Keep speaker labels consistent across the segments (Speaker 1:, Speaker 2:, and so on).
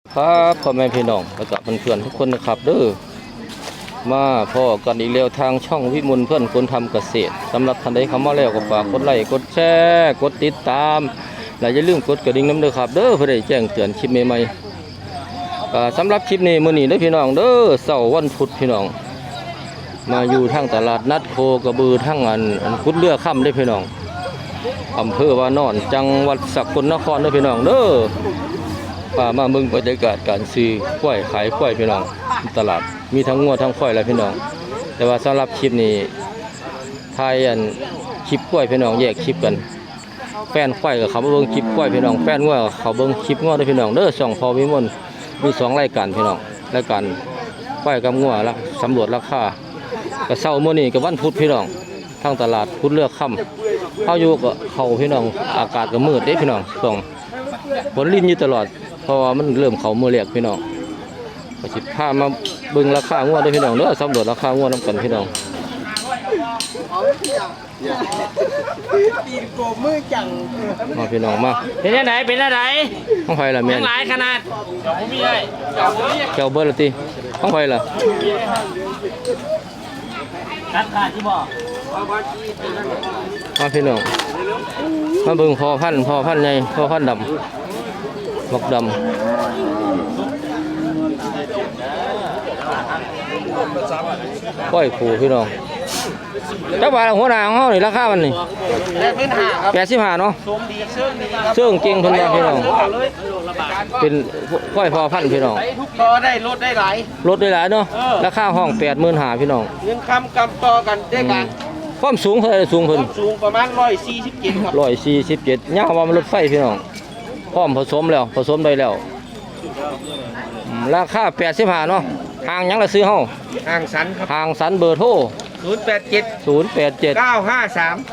Speaker 1: ครับพ่อแม่พี่น้องและกับเพื่อนๆทุกคนนะครับเด้อมาพ่อกันอีกแล้วทางช่องวิมลเพื่อนคนทำเกษตรสำหรับท่านใดเข้ามาแล้วก็ฝากกดไลค์กดแชร์กดติดตามและอย่าลืมกดกระดิ่งน้ำเด้อครับเด้อเพื่อได้แจ้งเตือนคลิปใหม่ๆสำหรับคลิปนี้มื้อนี้เด้อพี่น้องเด้อเสาร์วันพุธพี่น้องมาอยู่ทางตลาดนัดโคกระบือทั้งอันกุดเรือค่ำเด้อพี่น้องอำเภอวานอนจังหวัดสกลนครเด้อพี่น้องเด้อป่ามาเบิ่งบรรยากาศการซื้อกล้วยขายกล้วยพี่น้องตลาดมีทั้งงัวทั้งควายแล้วพี่น้องแต่ว่าสำหรับคลิปนี้ถ่ายอันคลิปกล้วยพี่น้องแยกคลิปกันแฟนควายกับเขาเบิ่งคลิปกล้วยพี่น้องแฟนงัวเขาเบิ่งคลิปงัวด้วยพี่น้องเด้อช่องพอวิมลมี2รายการพี่น้องรายการควายกับงัวละสำรวจราคากระเช้ามื้อนี้กับวันพุธพี่น้องทางตลาดพุธเลือกค่ำเข้าอยู่กับเขาพี่น้องอากาศก็มืดเด้พี่น้องส่งฝนลิ้นอยู่ตลอดเพราะว่ามันเริ่มเขามือเรียกพี่น้องก็สิพามาเบิ่งราคางัวด้วยพี่น้องเด้อสำรวจราคางัวนำกันพี่น้อง
Speaker 2: ตีนโกมือจัง
Speaker 1: มาพี่น้องมา
Speaker 3: เป็นอะไรเป็นอะไร
Speaker 1: ห้องไฟล่ะแม่น
Speaker 3: หลายขนาดเจ้ามีได้
Speaker 1: เจ้าเบิร์ละติห้องไฟล่ะ
Speaker 3: ตัดขาดที่บ่
Speaker 1: มาพี่น้องมาเบิ่งพอพันธุ์ใหญ่พอพันธุ์ดำบักดำก้อยผูพี่น้องเจ้าบ่าวหัวหน้าของเฮานี่ราคามันนี่85เนาะเชื่องจริงเพิ่นว่าพี่น้องเป็นก้อยพอพันธุ์พี่น้อง
Speaker 2: ต่อได้ลดได้หลาย
Speaker 1: ลดได้หลายเนาะราคาห้อง85,000พี่น้อง
Speaker 2: เงินคำกำต่อกันได้กัน
Speaker 1: ความสูงเท่าไหร่สูงเพิ่น
Speaker 2: สูงประมาณ147ครับ
Speaker 1: 147ยาวว่ามันรถไฟพี่น้องพร้อมผสมแล้วผสมได้แล้วราคา85เนาะห่างหยังละซื้อเฮา
Speaker 2: ห่างสันครับ
Speaker 1: ห่างสันเบอร์โทร
Speaker 2: 087 953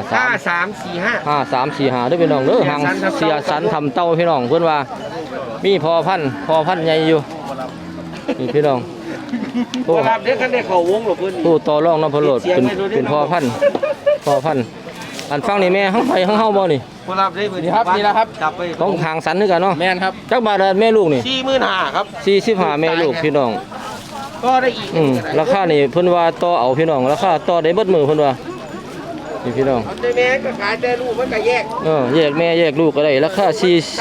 Speaker 2: 5345
Speaker 1: ด้วยพี่น้องเด้อห่างเสียสันทำเต้าพี่น้องเพิ่นว่ามีพอพันธุ์ใหญ่อยู่นี่พี่น้อง
Speaker 2: โอ้ครับเด็กคันได้เข้าวงหรอเพิ่น
Speaker 1: ตู้ต่อรองน้ำพะโลดเป็นพอพันธุ์อันฟังนี่แม่ทั้งไปทั้งเฮาบ่นี่
Speaker 2: บ่รับได้เพิ่นครับนี่ล่ะครับจับไป
Speaker 1: ต้องห่างสันคือกันเนาะ
Speaker 2: แม่นครับ
Speaker 1: จักบาทแม่ลูกนี่
Speaker 2: 45,000ครับ
Speaker 1: 45แม่ลูกพี่น้อง
Speaker 2: ก็ได้อีก
Speaker 1: ราคานี่เพิ่นว่าต่อเอาพี่น้องราคาต่อได้เบิดมือเพิ่นว่านี่พี่น้อง
Speaker 2: แต่แม่ก็ขายแต่ลูกมันก็แยก
Speaker 1: แยกแม่แยกลูกก็ได้ราคา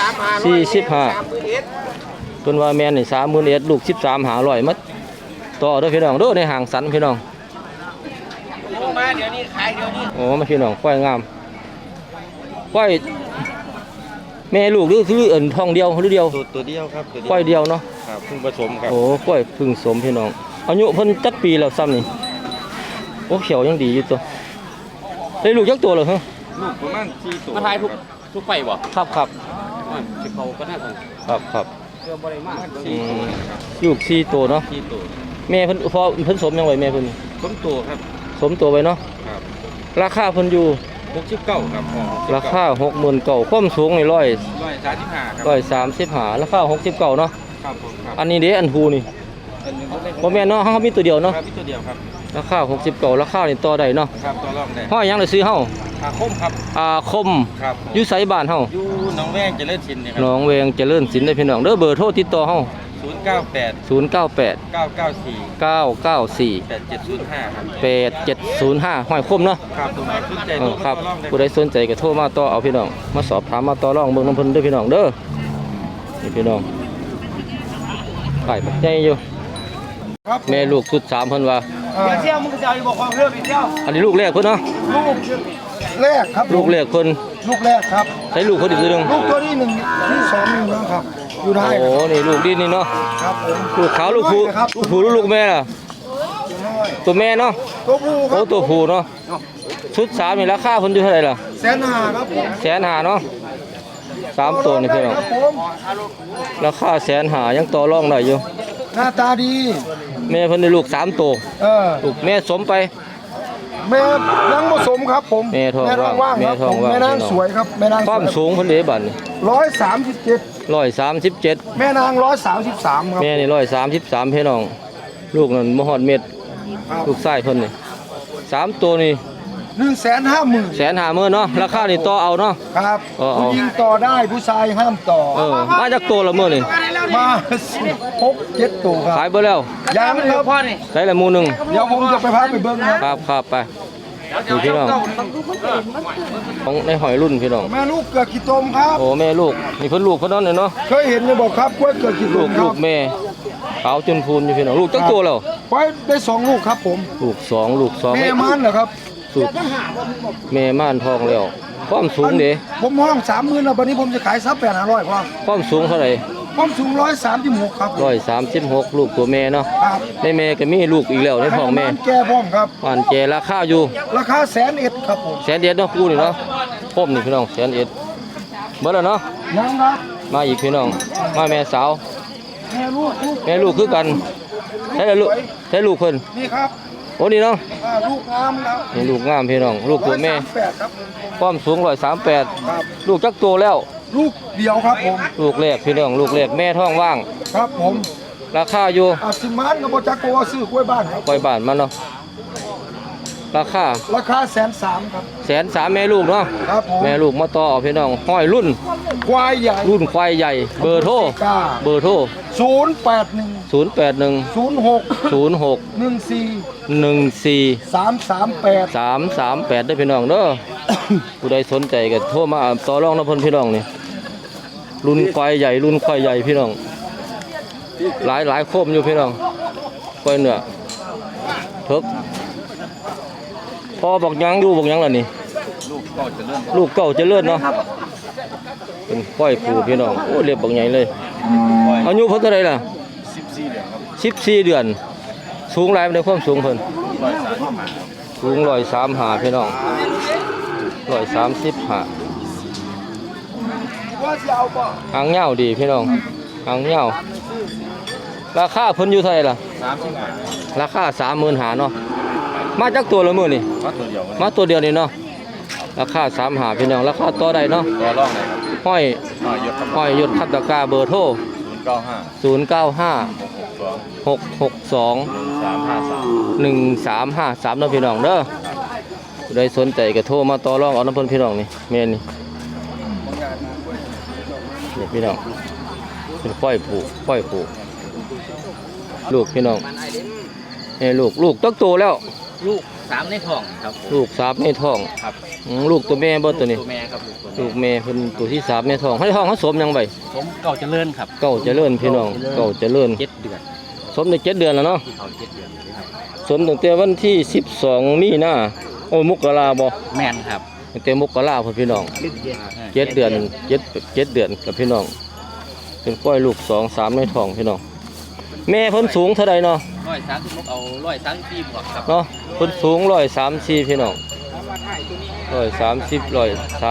Speaker 1: 45เพิ่นว่าแม่นี่31,000ลูก13,500มัดต่อเด้อพี่น้องเด้อในห่างสันพี่น้อง
Speaker 2: มาเดี๋ยวนี้ขายเดี๋ยวนี้
Speaker 1: โอ้มาพี่น้องควายงามควายแม่ลูกหรือทองเดียวหรือเดียว
Speaker 2: ตัวเดียวครับ
Speaker 1: ควายเดียวเนาะ
Speaker 2: ครับพึ่งผสมครับ
Speaker 1: โอ้ควายพึ่งสมพี่น้องอายุเพิ่นจักปีแล้วซ้ำนี่โอ้เขียวยังดีอยู่ตัวได้ลูกจักตัวเหรอฮะ
Speaker 2: ลูกประมาณ4ตัว
Speaker 3: มาทายทุกไปบ่
Speaker 1: ครับ
Speaker 3: สิเขาก็น่ากัน
Speaker 1: ครับเกือบบ่ได้มากลูก4ตัวเนาะ
Speaker 2: 4ตัว
Speaker 1: แม่เพิ่นสมยังไว้แม่เพิ่น
Speaker 2: สมตัวครับ
Speaker 1: สมตัวไว้เนาะ
Speaker 2: ครับ
Speaker 1: ราคาเพิ่นอยู่
Speaker 2: 69ครับ
Speaker 1: ราคา69,000ความสูงนี่
Speaker 2: 135ครับ
Speaker 1: 135ราคา69เนาะ
Speaker 2: ครับผมครับ
Speaker 1: อันนี้เด้อันฮูนี่บ่แม่นเนาะเฮามีตัวเดียวเนาะ
Speaker 2: ครับมีตัวเดียวครับ
Speaker 1: ราคา69ราคานี่ต่อได้เนาะ
Speaker 2: ครับต่อรองได้
Speaker 1: ห้อยหยังได้ซื้อเฮา
Speaker 2: อาคมครับ
Speaker 1: คม
Speaker 2: ครับ
Speaker 1: อยู่ไสบ้านเฮา
Speaker 2: อยู่หนองแวงเจริญศิลป์นี่ครับ
Speaker 1: หนองแวงเจริญศิลป์เด้อพี่น้องเด้อเบอร์โทรติดต่อเฮา
Speaker 2: 098
Speaker 1: 994
Speaker 2: 8705ครับ
Speaker 1: 8705ห้อยคมเนาะ
Speaker 2: ครับตัวไหนสนใจ
Speaker 1: ครับผู้ใดสนใจก็โทรมาต่อเอาพี่น้องมาสอบถามมาต่อรองเบิ่งน้ำเพิ่นเด้อพี่น้องเด้อนี่พี่น้องไก่ปักใหญ่อยู่แม่ลูกสุด3เพิ่นว่า
Speaker 2: เที่ยวมึงจะเอาบอกความเรื่องไปเที่ยว
Speaker 1: อันนี้ลูกแรกเพิ่นเนาะ
Speaker 2: แรกครับ
Speaker 1: ลูกแรกเพิ่น
Speaker 2: ลูกแรกครับ
Speaker 1: ใช้ลูกเพิ่นอีกตัวนึง
Speaker 2: ลูกตัวที่1ที่2นึงแล้วครับอยู่ได้
Speaker 1: โอ้นี่ลูกดินนี่เนาะ
Speaker 2: ครับผม
Speaker 1: ลูกขาวลูกผู้ลูกแม่ล่ะตัวแม่เนาะ
Speaker 2: ตัวผู้ครับ
Speaker 1: โอ้ตัวผู้เนาะชุด3นี่ราคาเพิ่นอยู่เท่าไหร่ล่ะ
Speaker 2: 150,000ครับผม
Speaker 1: 150,000เนาะ3ตัวนี่พี่น้องราคา150,000ยังต่อรองได้อยู่
Speaker 2: หน้าตาดี
Speaker 1: แม่เพิ่นได้ลูก3ตัวลูกแม่สมไป
Speaker 2: แม่นางผสมครับผม
Speaker 1: แม่ทองว่าง
Speaker 2: แม่นางสวยครับแม่นาง
Speaker 1: ความสูงเพิ่นได้บัดนี่
Speaker 2: 137แม่นาง133ครับ
Speaker 1: แม่นี่133พี่น้องลูกนั่นบ่ฮอดเม็ดลูกชายเพิ่นนี่3ตัวนี่
Speaker 2: 150,000
Speaker 1: 150,000เนาะราคานี่ต่อเอาเนาะ
Speaker 2: ครับ
Speaker 1: เอา
Speaker 2: ผู้หญิงต่อได้ผู้ชายห้ามต่อ
Speaker 1: มาจากตัวละมื้อนี่
Speaker 2: มา6-7ตัวครับ
Speaker 1: ขายเบิดแล้ว
Speaker 2: ยังครับ
Speaker 1: ใส่ละหมู่หนึง
Speaker 2: เดี๋ยวผมจะไปพาไปเบิ่งนะครับ
Speaker 1: ครับไปนี่พี่น้องของในหอยรุ่นพี่น้อง
Speaker 2: แม่ลูกเกิดขี้ตมครับ
Speaker 1: โอ้แม่ลูกนี่เพิ่นลูกเพิ่นนั่นเลยเนาะ
Speaker 2: เคยเห็นไหมบอกครับกล้วยเกิดขี้ต
Speaker 1: ลู
Speaker 2: ม
Speaker 1: ก
Speaker 2: ค
Speaker 1: ลู
Speaker 2: รับ
Speaker 1: กแม่ขาวจนพูนอยู่พี่น้องลูกจักตัวแล้ว
Speaker 2: ไว้ได้2 ลูกครับผม
Speaker 1: ลูกสอง
Speaker 2: แม่มันเหรอครับ
Speaker 1: สุดแม่ม่านทองแล้วความสูงเด้
Speaker 2: ผมห้อง30,000แล้ววันนี้ผมจะขายซับ8,500ครับ
Speaker 1: ความสูงเท่าไหร่
Speaker 2: ความสูง136ครับผม
Speaker 1: 136ลูกตัวแม่เนาะ
Speaker 2: ครับ
Speaker 1: ในแม่ก็มีลูกอีกแล้วในท้องแม่
Speaker 2: แก่พร้อมครับ
Speaker 1: อ่านแจราคาอยู่
Speaker 2: ราคา101,000ครับผม
Speaker 1: 100,000เนาะคู่นี่เนาะพร้อมนี่พี่น้อง100,000เบิดแล้วเนาะ
Speaker 2: ยังครับ
Speaker 1: มาอีกพี่น้องมาแม่สาว
Speaker 2: แม่ลูก
Speaker 1: แม่ลูกคือกันใช่ลูกใช่ลูกเพิ่น
Speaker 2: นี่ครับ
Speaker 1: โอ้นี่เนาะ
Speaker 2: ลูกงามครับ
Speaker 1: นี่ลูกงามพี่น้องลูกตัวแม่
Speaker 2: 138ครับ
Speaker 1: ความสูง138
Speaker 2: ครับ
Speaker 1: ลูกจักโตแล้ว
Speaker 2: ลูกเดียวครับผม
Speaker 1: ลูกแรกพี่น้องลูกแรกแม่ท้องว่าง
Speaker 2: ครับผม
Speaker 1: ราคาอยู่
Speaker 2: สิมานกับบ่จักตัวซื้อกล้วยบ้านครับ
Speaker 1: ปล่อยบ้านมันเนาะราคา
Speaker 2: ราคา130,000ครับ
Speaker 1: 130,000แม่ลูกเนาะ
Speaker 2: ครับผม
Speaker 1: แม่ลูกมาต่อเอาพี่น้องห้อยรุ่น
Speaker 2: ควายใหญ่
Speaker 1: รุ่นควายใหญ่เบอร์โทร
Speaker 2: กล้า
Speaker 1: เบอร์โทร
Speaker 2: 081
Speaker 1: 081
Speaker 2: 06
Speaker 1: 06
Speaker 2: 14
Speaker 1: 14
Speaker 2: 338
Speaker 1: 338ได้อพี่น้องเด้อ ผู้ใดสนใจก็โทรมาต่อรองน้ำเพิ่นพี่น้องนี่รุ่นควายใหญ่รุ่นควายใหญ่พี่น้องหลายโคมอยู่พี่น้องควายเนื้อเพิกพอบอกยังดูบอกยังล่ะนี่ลูกเก่าเจริญเนาะเป็นควายผูพี่น้องโอ้เรียบบอกใหญ่เลยอายุเพิ่นเท่าไหร่ล่ะ14 เดือนสูงหลายในความสูงเพิ่นสูง135พี่น้อง135
Speaker 2: ว่าสิเอาบ่
Speaker 1: หางเหย้าดีพี่น้องหางเหย้าราคาเพิ่นอยู่เท่าไหร่ล่ะราคา35,000เนาะมาจากตัวละมื้อนี่มาตัวเดียวนี่เนาะราคา35พี่น้องราคาต่อได้เนาะ
Speaker 3: ต่อรองเลยครับ
Speaker 1: ห้อย
Speaker 3: ยศ
Speaker 1: ห้อยยศคัตตกาเบอร์โทร
Speaker 3: 095
Speaker 1: 095 662
Speaker 3: 353
Speaker 1: 1353เนาะพี่น้องเด้อผู้ใดสนใจก็โทรมาต่อรองเอาน้ำเพิ่นพี่น้องนี่แม่นี่นี่พี่น้องเป็นค่อยผูกลูกพี่น้องลูกตักโตแล้ว
Speaker 3: ลูก3ในท้องครับผม
Speaker 1: ลูก3ในท้อง
Speaker 3: ครับ
Speaker 1: ลูกตัวแม่บ่ตัวนี้
Speaker 3: ตัวแม่ครับลูกตัว
Speaker 1: ลูกแม่เพิ่นตัวที่3ในท้องให้ท้องเขาสมยังไง
Speaker 3: ผมเก่าเจริญครับ
Speaker 1: เก้าเจริญพี่น้องเก้าเจริญ
Speaker 3: 7 เดือน
Speaker 1: สมได้7 เดือนแล้วเนาะ
Speaker 3: ที่เขา7 เดือนครับ
Speaker 1: สมตั้งแต่วันที่12มีนาโอ้มกราบ่
Speaker 3: แม่นครับ
Speaker 1: ตั้งแต่มกราพุ่นพี่น้อง7 เดือน7 เดือนกับพี่น้องเป็นก้อยลูก2 3ในท้องพี่น้องแม่เพิ่นสูงเท่าใดเนาะ
Speaker 3: 130เอา134บวกครับ
Speaker 1: เนาะเพิ่นสูง134พี่น้อง130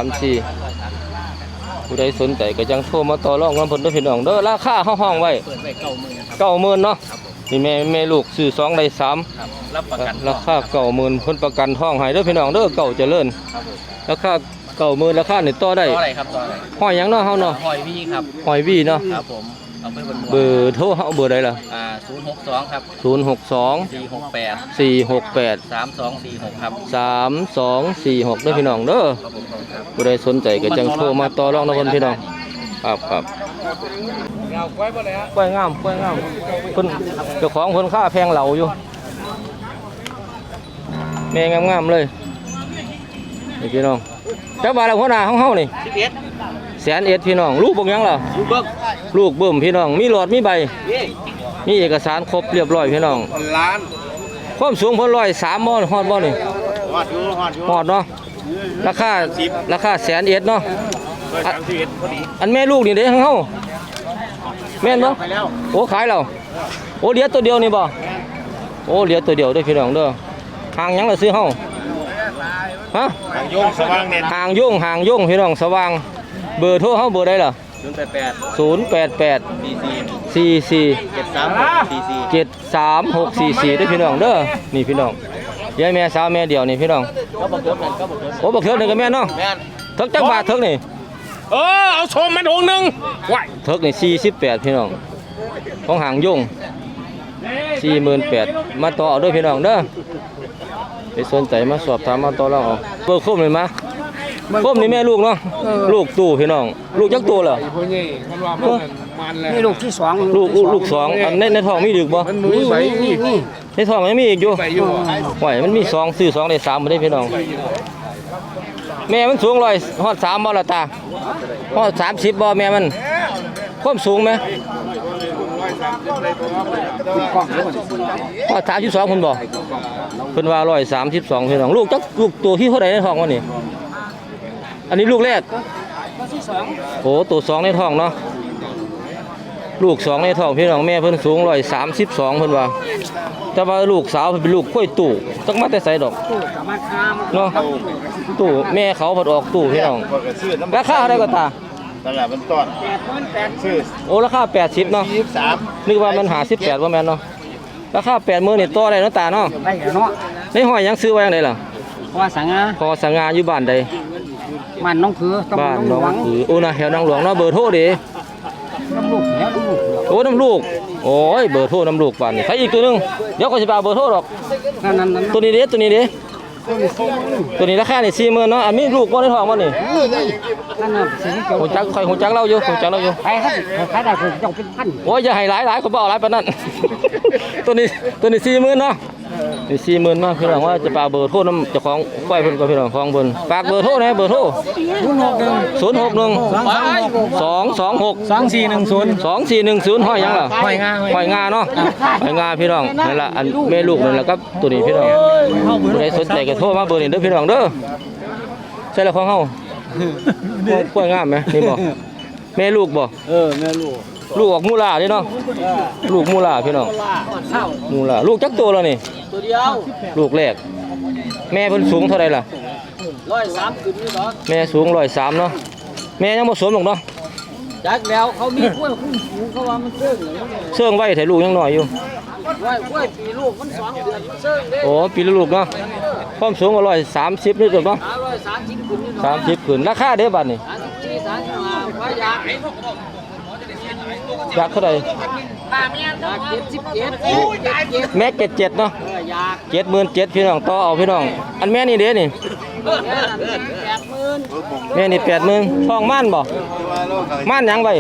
Speaker 1: 134ผู้ใดสนใจก็จังโทรมาต่อรองกันเพิ่นเด้อพี่น้องเด้อราคาห้องไว้
Speaker 3: เปิดไว้90,000ครับ
Speaker 1: 90,000เนาะนี่แม่ลูกซื้อ2ได้3
Speaker 3: ครับรับประกัน
Speaker 1: ราคา90,000เพิ่นประกันท้องให้เด้อพี่น้องเด้อเก่าเจริญ
Speaker 3: ครับผม
Speaker 1: ราคา90,000ราคานี่ต่อได้
Speaker 3: ต่ออะไรครับต่ออะไร
Speaker 1: ห้อยหยังเนาะเฮาเนาะ
Speaker 3: หอยพี่ครับ
Speaker 1: ห้อยวีเนาะ
Speaker 3: ครับผมเอาไปบน
Speaker 1: เบอร์โทรเฮาเบอร์ใดล่ะ
Speaker 3: 062ครับ
Speaker 1: 062
Speaker 3: 468
Speaker 1: 468
Speaker 3: 3246ครับ
Speaker 1: 3246เด้อพี่น้องเด้อ
Speaker 3: ครับผมครับ
Speaker 1: ผู้ใดสนใจก็จังโทรมาต่อรองนะเพิ่นพี่น้องครับกล้วยงามเพิ่นเจ้าของเพิ่นค่าแพงเหลาอยู่แม่งามๆเลยนี่พี่น้องจักบาทละหัวหน้าของเฮานี่
Speaker 3: 11
Speaker 1: 100,000พี่น้องลูกบ่ยังล่ะ
Speaker 3: ลูกเบิ้ง
Speaker 1: ลูกเบิ่มพี่น้องมีหลอดมีใบ
Speaker 3: นี่
Speaker 1: มีเอกสารครบเรียบร้อยพี่น้อง
Speaker 3: ล้าน
Speaker 1: ความสูงเพิ่น103บ่ฮอดบ่นี่
Speaker 3: ฮอดอยู่
Speaker 1: ฮอดเนาะราคา100,000เนาะ
Speaker 3: 31พอดี
Speaker 1: อันแม่ลูกนี่เด้ของเฮาแม่นบ่
Speaker 3: ไปแล้ว
Speaker 1: โอ้ขายแล้วโอ้เหลือตัวเดียวนี่บ่โอ้เหลือตัวเดียวเด้อพี่น้องเด้อห่างหยังล่ะซื้อเฮาฮะ
Speaker 3: ทางโยงสว่างเด่น
Speaker 1: ห่างโย่งพี่น้องสว่างเบอร์โทรเฮาเบอร์ใดล่ะ
Speaker 3: 088
Speaker 1: 088
Speaker 3: 44
Speaker 1: 44
Speaker 3: 73644
Speaker 1: 73644ได้อพี่น้องเด้อนี่พี่น้องยายแม่สาวแม่เดียวนี่พี่น้อง
Speaker 3: ก็บอกยศนั่นก็บอกยศ
Speaker 1: โอ้บักเถิกนี่ก็แม่นเนาะ
Speaker 3: แม่น
Speaker 1: เถิกจักบาทเถิกนี่
Speaker 3: เอาชมมันถุงหนึ่งไหว
Speaker 1: เถิกนี่48พี่น้องของหางยง48,000มาต่อเอาเด้อพี่น้องเด้อสนใจมาสอบถามมาต่อรองเอาเบอร์โคมเลยมาโคมนี่แม่ลูกเนาะลูกตู่พี่น้องลูกจักตัวเหรอ
Speaker 3: พวกนี้คันว่ามันแล้ว
Speaker 2: นี่ลูกที่สอง
Speaker 1: ลูกสองอันในท้องมีดึกบ่
Speaker 3: มันมีใบนี่
Speaker 1: ในท้องยังมีอีกอยู่
Speaker 3: ใบอยู่
Speaker 1: ไหวมันมี2ซื้อ2ได้3บ่ได้พี่น้องแม่มันสูง100ฮอด3บ่ล่ะตาฮอด30บ่แม่มันความสูงไหมฮอด32พุ่นบ่เพิ่นว่า132พี่น้องลูกจักลูกตัวที่เท่าใดในท้องวะนี่อันนี้ลูกแรกโอ้ตัว2ในท้องเนาะลูก2ในท้องพี่น้องแม่เพิ่นสูง132เพิ่นว่าแต่ว่าลูกสาวเพิ่นเป็นลูกกล้วยตู่จักมาแต่ไสดอกเนาะตู่แม่เขาเพิ่นออกตู่พี่น้องราคาเท่าใดก็ตา
Speaker 4: ตลาดมันต้อนซื้อ
Speaker 1: โอ้ราคา80เนาะ
Speaker 4: 23
Speaker 1: นึกว่ามัน58บ่แม่นเนาะราคา80,000นี่ต่อได้เนาะตาเนาะ
Speaker 2: ได้เนาะ
Speaker 1: ในห้อยยังซื้อไว้จังไดล่ะ
Speaker 2: เพราะว่าสังอา
Speaker 1: พอสง่าอยู่บ้านใด
Speaker 2: มันน้องคือต้อง
Speaker 1: บ้าน
Speaker 2: น้
Speaker 1: น้
Speaker 2: อ
Speaker 1: อง ง
Speaker 2: หวัง
Speaker 1: คือโอ้นะแถวน้องหลวงเนาะเบอร์โทรดิ
Speaker 2: น้ำลูกแล้วลูก
Speaker 1: โอ้น้ำลูกโอ้ยเบอร์โทรน้ำลูกบ้านนี่ใครอีกตัวหนึงเดี๋ยวก็สิไปเอาเบอร์โทรดอก
Speaker 2: นั่น
Speaker 1: ตัวนี้เด้ตัวนี้เด้ตัวนี้ราคานี่40,000เนาะอันมีลูกบ่ในท้องบ่นี่
Speaker 2: นั่นน่ะสิ่งที่เกี่ยว
Speaker 1: หูจักข่อยหูจักเราอยู่หูจักเราอยู่
Speaker 2: ใครครับใครได้คือเจ้าเป็นพัน
Speaker 1: โอ้ยอย่าให้หลายๆเขาบ่เอาหลายปานนั้น ตัวนี้40,000เนาะนี่40,000เนาะพี่น้องว่าจะฝากเบอร์โทรนำเจ้าของควายเพิ่นก็พี่น้องของเพิ่นฝากเบอร์โทรนะเบอร์โทร061 226 2410ห้อยหยังล่ะห้อยงาเนาะห้อยงาพี่น้องนั่นล่ะอันแม่ลูกนั่นล่ะครับตัวนี้พี่น้องผู้ใดสนใจก็โทรมาเบอร์นี้เด้อพี่น้องเด้อใช่แล้วของเฮาควายงามไหมนี่บ่แม่ลูกบ่
Speaker 2: แม่ลูก
Speaker 1: ลูกออกมูลาเด้เนาะลูกมูลาพี่น้องมูลาลูกจักตัวแล้วนี่
Speaker 2: ตัวเดียว
Speaker 1: ลูกแรกแม่เพิ่นสูงเท่าไหร่ล่ะ
Speaker 2: 103ขึ้นนี่ดอก
Speaker 1: แม่สูง103เนาะแม่ยังบ่สมหรอกเนาะ
Speaker 2: จักแล้วเขามีกล้วยคุ้มสูงเขาว่ามันเชิงเลย
Speaker 1: เชื่องไว้แต่ลูกยังน้อยอยู่
Speaker 2: กล้วยปีลูกมัน2เดือนมันเชิงเด้
Speaker 1: โอ้ปีละลูกเนาะความสูงก็130นี่ตัวเนาะ
Speaker 2: 130ขึ้นนี่ดอก
Speaker 1: 30ขึ้นราคาเด้บัดนี่
Speaker 2: 34 35ว่าอยาก
Speaker 1: อยากเท่าไหร่
Speaker 2: อยาก77
Speaker 1: แม่77เนาะ
Speaker 2: อยาก
Speaker 1: 77,000พี่น้องต่อเอาพี่น้องอันแม่นี่เด้นี่
Speaker 2: 80,000
Speaker 1: แม่นี่80,000ท้องม่านบ่ม่านหยังไว้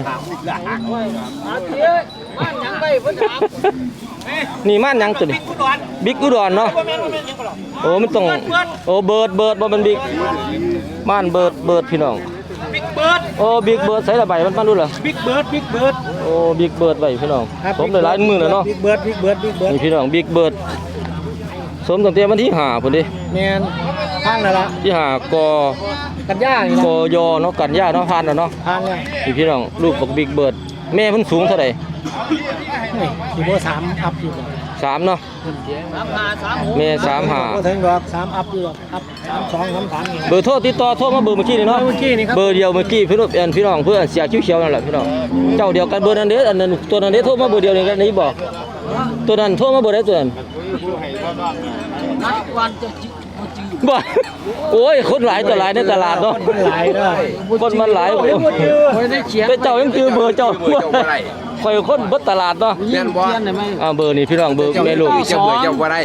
Speaker 2: ยังไปเพิ่นถาม
Speaker 1: นี่ม่านหยังตัวนี้บิ๊กอุดรเนาะโอ้มันต้องโอ้เบิดบ่มันบิ๊กม่านเบิดพี่น้องโอ้บิ๊กเบิร์ดใส่ละใบมันดูเหรอ
Speaker 2: บิ๊กเบิร์ด
Speaker 1: โอ้บิ๊กเบิร์ดไว้พี่น้องสมได้หลายมื้อแล้วเนาะ
Speaker 2: บิ๊กเบิร์ด
Speaker 1: นี่พี่น้องบิ๊กเบิร์ดสมตั้งแต่วันที่5พุ่นดิ
Speaker 2: แม่นทางนั่นล่ะ
Speaker 1: ที่5ก
Speaker 2: กันย่านี่
Speaker 1: ก
Speaker 2: ล่ะ
Speaker 1: ยเนาะกันยาเนาะผ่านแล้วเนาะ
Speaker 2: ทางเนี่ย
Speaker 1: นี่พี่น้องลูกบักบิ๊กเบิร์ดแม่เพิ่นสูงเท่าใด
Speaker 2: สิบ่3อัพอยู่
Speaker 1: 3เนาะ
Speaker 2: 35 36
Speaker 1: แม่
Speaker 2: บ่ถึงดอก3อัพอยู่ดอกอัพ32 33นี่
Speaker 1: 35เบอร์โทรติดต่อโทรมาเบอร์เมื่อกี้นี่เนาะ
Speaker 2: เมื่อกี้นี่ครับ
Speaker 1: เบอร์เดียวเมื่อกี้พี่น้องเพื่อนเสียเขียวๆนั่นแหละพี่น้องเจ้าเดียวกันเบอร์นั้นเด้ออันนั้นตัวนั้นเด้อโทรมาเบอร์เดียวนี่กันนี่บ่ตัวนั้นโทรมาเบอร์ใดตัวนั้น
Speaker 2: นัดวันจะจิบ่จื้อ
Speaker 1: บ่โอ้ยคนหลายต่อหลายในตลาดเนาะ
Speaker 2: มันหลายเด้อ
Speaker 1: คนมันหลาย
Speaker 2: บ่ได้เขียน
Speaker 1: แต่เจ้ายังจือเบอร์เจ้าข่อยคนเบิดตลาดเนาะ
Speaker 2: เขียนได้ไหม
Speaker 1: เบอร์นี่พี่น้องเบอร์แม่ลูก
Speaker 4: เจ้าเบอร์เจ้าบ่ได้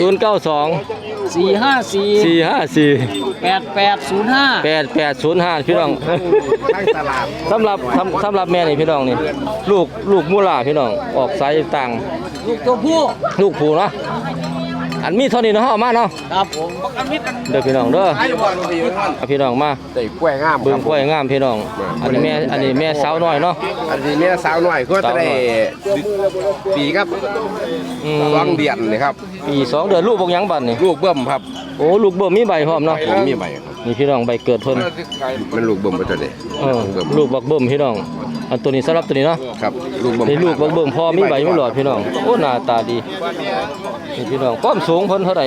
Speaker 2: 454
Speaker 1: 092
Speaker 2: 8805
Speaker 1: 8805พี่น้อง
Speaker 4: ทั้งตลาด
Speaker 1: สำหรับแม่นี่พี่น้องนี่ลูกมูลาพี่น้องออกสายต่าง
Speaker 2: ลูกตัวผู้
Speaker 1: ลูกผูเนาะอันมีเท่านี้เนาะเอามาเนาะ
Speaker 2: ครับผม
Speaker 1: เด้อพี่น้องเด้อ
Speaker 4: ไอ้บ่รู้ดีมัน
Speaker 1: เอาพี่น้องมา
Speaker 4: ได้กล้วยงาม
Speaker 1: เบิ่งกล้วยงามพี่น้องอันนี้แม่สาวน้อยเนาะ
Speaker 4: อันนี้แม่สาวน้อยก็จะได้ปีครับ
Speaker 1: อืม
Speaker 4: 2 เดือนนี่ครับ
Speaker 1: ปี2เดือนลูกบ่หยังบัดนี่
Speaker 4: ลูกเบิ่มครับ
Speaker 1: โอ้ลูกเบิ่มมีใบพร้อมเนาะ
Speaker 4: ผมมีใบครับ
Speaker 1: นี่พี่น้องใบเกิดเพิ่น
Speaker 4: มันลูกเบิ่มบ่ตัวนี้
Speaker 1: ลูกบักเบิ่มพี่น้องอันตัวนี้สำหรับตัวนี้เนาะ
Speaker 4: ครับลูกเบิ่ม
Speaker 1: นี่ลูกบักเบิ่มพอมีใบมีหลอดพี่น้องโอ้หน้าตาดีนี่พี่น้องความสูงเพิ่นเท่าไหร่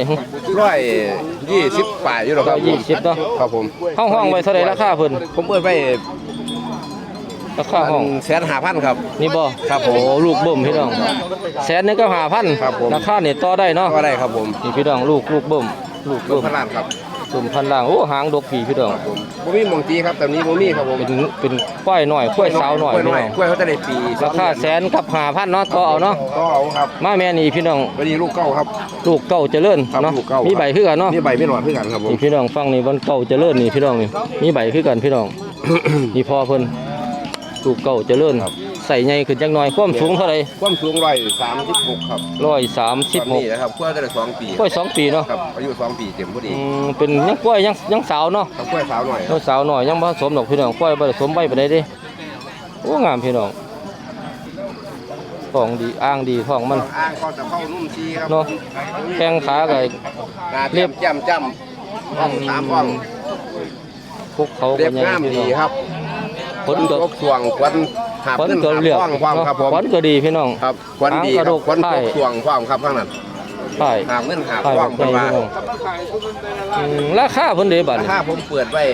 Speaker 4: 120ปลายอยู่หรอครับ
Speaker 1: 120เนาะ
Speaker 4: ครับผม
Speaker 1: ห้องไว้เท่าไหร่ราคาเพิ่น
Speaker 4: ผมเปิดไว้
Speaker 1: ราคาห้อง
Speaker 4: 150,000ครับ
Speaker 1: นี่บ่
Speaker 4: ครับผม
Speaker 1: โอ้ลูกเบิ่มพี่น้องแสนนึงก็5,000
Speaker 4: ครับผม
Speaker 1: ราคานี่ต่อได้เนาะ
Speaker 4: ก็ได้ครับผม
Speaker 1: นี่พี่น้องลูกเบิ่มลูก
Speaker 4: ลู
Speaker 1: เบิ่
Speaker 4: ก
Speaker 1: ม
Speaker 4: พลานครับ
Speaker 1: ลมพันล่างโอ้หางดกผีพี่น้อง
Speaker 4: บ่มีหมองจีครับแต่นี้บ่มีครับผม
Speaker 1: เป็นควายหน่อยควายสาวหน่อย
Speaker 4: กล้วย
Speaker 1: พี่
Speaker 4: น้อย
Speaker 1: น้อง
Speaker 4: กล้วยเขาจะได้ปี
Speaker 1: ราคาแสนกับ5,000เนาะต่อเอาเนาะ
Speaker 4: ก็เอาครับ
Speaker 1: มาแม่นี่พี่น้อง
Speaker 4: วันนี้ลูกเก้าครับ
Speaker 1: ลูกเก่าเจริญ
Speaker 4: ครับ
Speaker 1: เนาะ
Speaker 4: ลูกเก้า
Speaker 1: มีใบคือกันเนาะ
Speaker 4: มีใบไม่หลอดเพื่อกันครับผม
Speaker 1: นี่พี่น้องฟังนี่มันเก่าเจริญนี่พี่น้องนี่มีใบคือกันพี่น้อง นี่พอเพิ่นลูกเก่าเจริญใส่ใหญ่ขึ้นจักหน่อยความสูงเท่าไหร่
Speaker 4: ความสูง136ครับ
Speaker 1: 136
Speaker 4: นี่นะครับกล้วยจะได้2ปี
Speaker 1: กล้วย2 ปีเนาะ
Speaker 4: ครับอายุ2ปีเต็มพอดี
Speaker 1: เป็นยังกล้วยยังสาวเนาะ
Speaker 4: ครับกล้วยสาวหน่อย
Speaker 1: ยังสาวหน่อยยังบ่ผสมดอกพี่น้องกล้วยบ่ผสมใบปานใดเด้โอ้งามพี่น้องท้องดีอ้างดีท้องมัน
Speaker 4: อ้างก็จะเข้านุ่มชีครับ
Speaker 1: เนาะแข้งขาก็
Speaker 4: เรียบจ้ำห้องตามห้อง
Speaker 1: พวกเขา
Speaker 4: เรีย
Speaker 1: ก็
Speaker 4: บ
Speaker 1: ใหญ่
Speaker 4: งาม
Speaker 1: พี่
Speaker 4: ดี
Speaker 1: น้อง
Speaker 4: ครับ
Speaker 1: ผลก็
Speaker 4: ตกส่วงควันหาบ
Speaker 1: ผล
Speaker 4: ขึ้น
Speaker 1: ก็
Speaker 4: หาบ
Speaker 1: เรียบ
Speaker 4: ห้องความครับผม
Speaker 1: ผลก็ดีพี่น้อง
Speaker 4: ครับควันดี
Speaker 1: หางกระ
Speaker 4: ค
Speaker 1: ดู
Speaker 4: รับ
Speaker 1: ก
Speaker 4: ควัน
Speaker 1: ไข่
Speaker 4: ตกส่วงความครับข้างนั้น
Speaker 1: ใช่
Speaker 4: หาบเงินหาบ
Speaker 1: ใช่
Speaker 4: ความ
Speaker 1: ใหญ่
Speaker 4: เป็นว่า
Speaker 1: พี่น้องราคาเพิ่นเด้บัด
Speaker 4: รา
Speaker 1: นี้
Speaker 4: คาผมเปิดไว้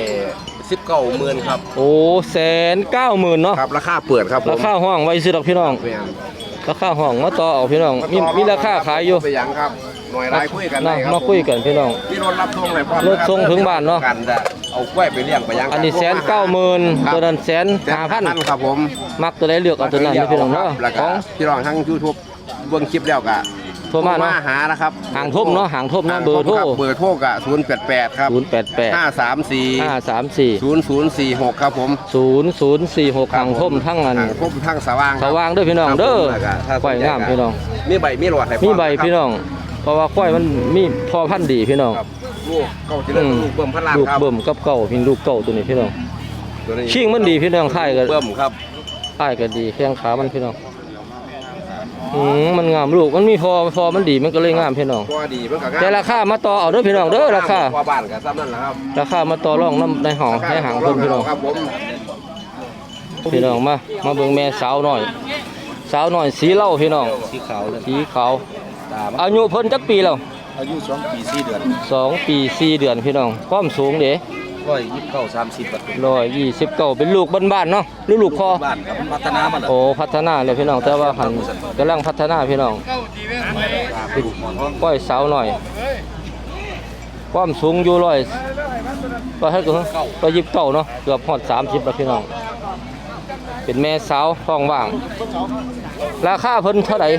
Speaker 4: 19,000ครับ
Speaker 1: โอ้190,000เนาะ
Speaker 4: ครับราคาเปิดครับผม
Speaker 1: ราคาห้องไว้ซื้อดอกพี่น้อง
Speaker 4: แม่น
Speaker 1: ราคาห้องมาต่อเอาพี่น้องมีราคาขายอยู่
Speaker 4: ไปหยังครับหน่วยรายคุยกันได้ครับ
Speaker 1: มาคุยกันพี่น้อง
Speaker 4: มีรถรับส่งเลยพร้อม
Speaker 1: รถส่งถึงบ้านเนาะ
Speaker 4: กันจะเอากล้วยไปเลี้ยงไปหยัง
Speaker 1: อันนี้190,000ตัวนั้น150,000
Speaker 4: ครับผม
Speaker 1: มักตัวใดเลือกเอาตัวนั้นนะพี่น้องเนาะ
Speaker 4: แล้ว
Speaker 1: ข
Speaker 4: ก็
Speaker 1: อง
Speaker 4: พี่น้องทั้ง YouTube เบิ่งคลิปแล้วก็
Speaker 1: โทรมาเนาะ
Speaker 4: หานะครับ
Speaker 1: ห่างทุ่มเนาะห่างทุ่มเนาะเบอร์โทร
Speaker 4: เบอร์โทรก็088ครับ
Speaker 1: 088
Speaker 4: 534
Speaker 1: 534
Speaker 4: 0046ครับผม
Speaker 1: 0046ห่างทุ่มทั้งอัน
Speaker 4: ทางพบทางสว่างค
Speaker 1: ส
Speaker 4: รับ
Speaker 1: ว่างเด้อพี่น้องเด้อ
Speaker 4: ครับ
Speaker 1: ควายงามพี่น้อง
Speaker 4: มีใบมีหลอดให้พร้อ
Speaker 1: มีใบพี่น้อง เพราะว่าควายมันมีพอพันธุ์ดีพี่น้อง
Speaker 4: ครับลูกเก้าจิเลิศลูกเบิ่มพันล้าน
Speaker 1: ลูก
Speaker 4: ครับ
Speaker 1: เบิ่มกับเก่าพี่ลูกเก่าตัวนี้พี่น้อง
Speaker 4: ตัวนี้
Speaker 1: ชิงมันดีพี่น้องท้ายก็
Speaker 4: เบิ่มครับ
Speaker 1: ท้ายก็ดีแข้งขามันพี่น้องมันงามลูกมันมีพอมันดีมันก็เลยงามพี่น้อง
Speaker 4: ก็ดีเพิ่นก็งาม
Speaker 1: แต่ราคามาต่อเอาเด้อพี่น้องเด้อราคา
Speaker 4: ว่าบ้านก็ซ้ำนั่นแหละครับ
Speaker 1: ราคามาต่อรองน้ำในห้องในหางเพิ่นพี่น้อง
Speaker 4: ครับผม
Speaker 1: พี่น้องมาเบิ่งแม่สาวหน่อย สาวหน่อยสีเหล้าพี่น้อง
Speaker 2: สีขาวเลย
Speaker 1: สีขาวอายุเพิ่นจักปีแล้ว
Speaker 2: อายุ2 ปี 4 เดือน
Speaker 1: 2 ปี 4 เดือนพี่น้องความสูงเด้
Speaker 2: 129 30บาท
Speaker 1: 129เป็นลูกบ้านๆเนาะหรือลูกพ่อ
Speaker 2: บ้านครับพัฒนามาแล้ว
Speaker 1: โอ้พัฒนาเลยพี่น้องแต่ว่าหันกำลังพัฒนาพี่น้องเป็นก้อยสาวหน่อย ความสูงอยู่ก็ให้ก็29เนาะเกือบฮอด30แล้วพี่น้องเป็นแม่สาวท้องว่าง ราคาเพิ่นเท่าไหร่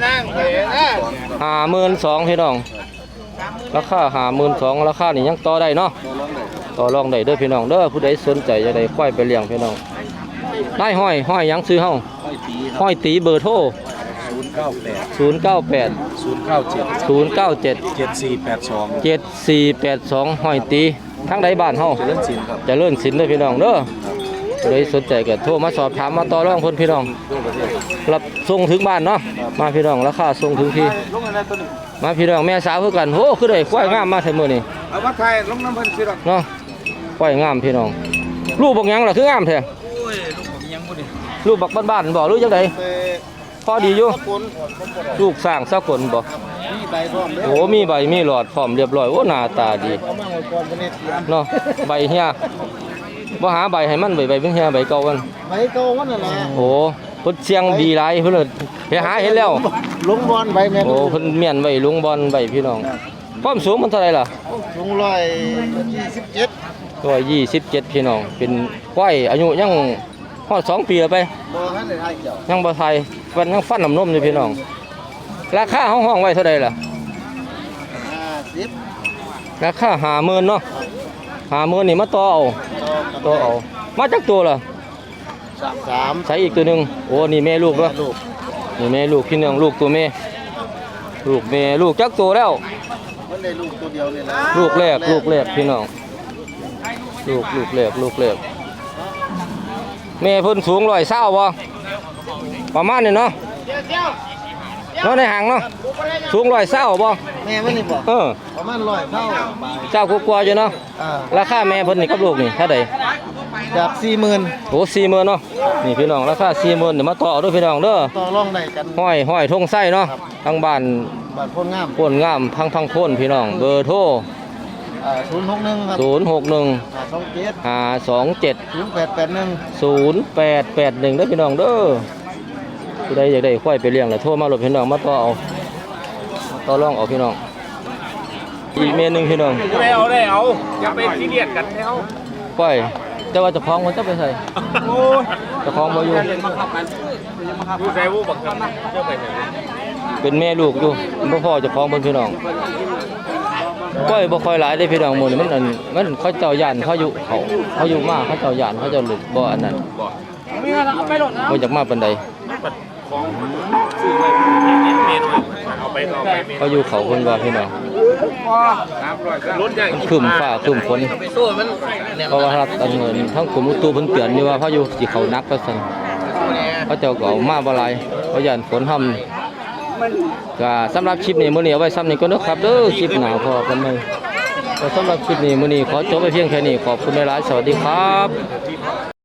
Speaker 1: 52,000พี่น้องราคา52,000ราคานี่ยังต่อได้เนาะต่อรองได้เด้อพี่น้องเด้อผู้ใดสนใจจะได้ควายไปเลี้ยงพี่น้องได้ห้อยหยังซื้อเฮา
Speaker 2: ค่อยตี
Speaker 1: ห้อยตีเบอร์โทร
Speaker 2: 098
Speaker 1: 098
Speaker 2: 097
Speaker 1: 097
Speaker 2: 7482
Speaker 1: 7482ห้อยตีทั้งใดบ้านเฮา
Speaker 2: เจริญศิลป์ครับ
Speaker 1: เจะเลื่อนสินเด้อพี่น้องเด้อผู้ใดสนใจก็โทรมาสอบถามมาต่อรองเพิ่นพี่น้องรับส่งถึงบ้านเนาะมาพี่น้องราคาส่งถึงที่มาพี่น้องแม่สาวคือกันโหคือได้ควายงามมาเท่ามื้อนี้
Speaker 4: เอาวัดไทยลงน้ำเพิ่นสิดอก
Speaker 1: เนาะควายงามพี่น้องลูกบักหยังล่ะคืองามแท้
Speaker 2: โอ้ยลูกผมยังบ่ได้
Speaker 1: ลูกบักบ้านๆบ่หรือจังไดพอดีอยู่ลูกสร้างสกลบ่
Speaker 2: มีใบพร้อมเด้อ
Speaker 1: โอ้มีใบมีหลอดพร้อมเรียบร้อยโอ้หน้าตาดี
Speaker 2: เอามาไว้ก่อนบ่ได้
Speaker 1: เนาะใบเฮียบ่หาใบให้มันใบเป็นเฮียใบเก่ามัน
Speaker 2: ใบเก่ามันน่ะแหละ
Speaker 1: โอ้เพิ่นเสียงดีหลายเพิ่นไปหาเห็นแล้ว
Speaker 2: ลงบอลใบแม่น
Speaker 1: โอ้เพิ่นเมียนไว้ลุงบอลใบพี่น้องความสูงมันเท่าไหร่ล่ะ
Speaker 2: สูง127
Speaker 1: 127พี่น้องเป็นควายอายุยังฮอด2 ปีแล้วไป
Speaker 2: บ่ทันได้ทายเกี่ยว
Speaker 1: ยังบ่ทายฟันยังฟันน้ำนมอยู่พี่น้องราคาห้องไว้เท่าใดล่ะ
Speaker 2: 50
Speaker 1: ราคา50,000เนาะ50,000นี่มาต่อเอามาจักตัวล่ะ
Speaker 2: 33
Speaker 1: ใช้อีกตัวหนึงโอ้นี่แม่ลูกเนาะ
Speaker 2: ลูก
Speaker 1: นี่แม่ลูกพี่น้องลูกตัวแม่ลูกจักตัวแล้ว
Speaker 2: มันได้ลูกตัวเดียวนี่นะ
Speaker 1: ลูกแรกพี่น้องลูกแรกแม่เพิ่นสูง120บ่ประมาณนี้เนาะเนาะในห่างเนาะสูง120บ่
Speaker 2: แม่มันนี่บ่
Speaker 1: เออ
Speaker 2: ประมาณ100เท่าบาท
Speaker 1: เจ้ากลัวๆอยู่เนาะ ราคาแม่เพิ่นนี่กับลูกนี่เท่าใด
Speaker 2: จาก 40,000
Speaker 1: โอ้40,000เนาะนี่พี่น้องราคา40,000เดี๋ยวมาต่อเด้อพี่น้องเด้อ
Speaker 2: ต่อรองได้กัน
Speaker 1: ห้อยทงไส้เนาะทางบ้าน
Speaker 2: บาทพ้นงาม
Speaker 1: โพ่นงามพังโพ่นพี่น้องเบอร์โทร
Speaker 2: 061ครับ
Speaker 1: 061
Speaker 2: 527
Speaker 1: 527
Speaker 2: 0881
Speaker 1: 0881เด้อพี่น้องเด้อผู้ใดอยากได้ควายไปเลี้ยงแล้วโทรมาหลบพี่น้องมาต่อเอาต่อรองเอาพี่น้องอีกเมนึงพี่น้อง
Speaker 3: ไม่เอาได้เอาอย่าไปซีเรียสกันแล้ว
Speaker 1: ปล่อยแต่ว่าเจ้าของมันจะไปใส่
Speaker 3: โอ้ย
Speaker 1: เจ้าของบ่อยู่
Speaker 3: ดูใส่วูบักกันเจ้าไปไหน
Speaker 1: เป็นแม่ลูกอยู่บ่พ่อเจ้าของเพิ่นพี่น้องปล่อยบ่ค่อยหลายเด้พี่น้องหมู่นี่มันเขาเจ้าย่านเขาอยู่มาเขาเจ้าย่านเขาเจ้าหลุดบ่อันนั้น
Speaker 2: มีอะไรเอาไปหลดนะ
Speaker 1: บ่อยากมาปานใด
Speaker 3: ของซื้อไปเมนเอาไปต่อไปเมน
Speaker 1: เขาอยู่เขาเพิ่นว่าพี่น้อง
Speaker 3: รถใหญ่
Speaker 1: ครึ้มฟ้าครึ้มฝน
Speaker 2: ไปสู้มัน
Speaker 1: เพราะว่ารัฐอันเงินทั้งกรมอุตุเพิ่นเตือนอยู่ว่าเขาอยู่สิเขานักว่าซั่นเขาเจ้าก็เอามาบ่หลายเขาย่านฝนห่ำก็สำหรับคลิปนี้มื้อนี้เอาไว้ซ้ำนี้ก่อนเด้อครับเด้อคลิปหน้าพอกันใหม่ก็สำหรับคลิปนี้มื้อนี้ขอจบไว้เพียงแค่นี้ขอบคุณหลายๆสวัสดีครับ